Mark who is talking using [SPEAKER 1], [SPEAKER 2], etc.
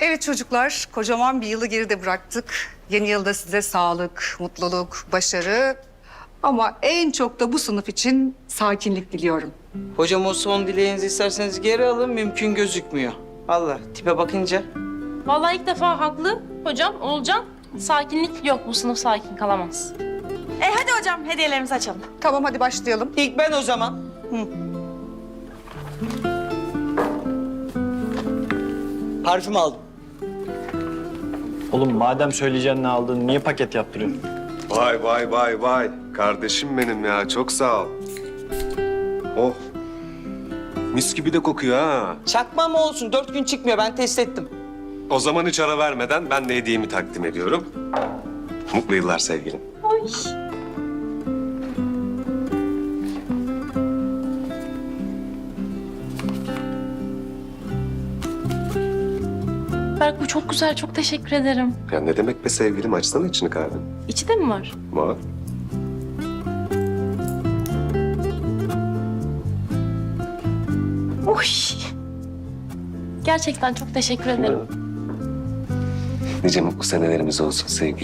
[SPEAKER 1] Evet çocuklar, kocaman bir yılı geride bıraktık. Yeni yılda size sağlık, mutluluk, başarı ama en çok da bu sınıf için sakinlik diliyorum.
[SPEAKER 2] Hocam o son dileğinizi isterseniz geri alın, mümkün gözükmüyor. Allah, tipe bakınca.
[SPEAKER 3] Vallahi ilk defa haklı hocam, Oğulcan. Sakinlik yok, bu sınıf sakin kalamaz.
[SPEAKER 4] Hadi hocam hediyelerimizi açalım.
[SPEAKER 1] Tamam hadi başlayalım.
[SPEAKER 2] İlk ben o zaman. Parfüm aldım.
[SPEAKER 5] Oğlum madem söyleyeceğin ne aldın, niye paket yaptırıyorsun?
[SPEAKER 6] Vay vay vay vay. Kardeşim benim ya, çok sağ ol. Oh. Mis gibi de kokuyor ha.
[SPEAKER 2] Çakma mı olsun? 4 gün çıkmıyor, ben test ettim.
[SPEAKER 6] O zaman hiç ara vermeden ben de hediyemi takdim ediyorum. Mutlu yıllar sevgilim.
[SPEAKER 3] Berk bu çok güzel, çok teşekkür ederim.
[SPEAKER 6] Ya ne demek be sevgilim, açsana içini kahve.
[SPEAKER 3] İçi de mi var?
[SPEAKER 6] Var.
[SPEAKER 3] Oy! Gerçekten çok teşekkür ederim.
[SPEAKER 6] Nice mutlu senelerimiz olsun sevgilim.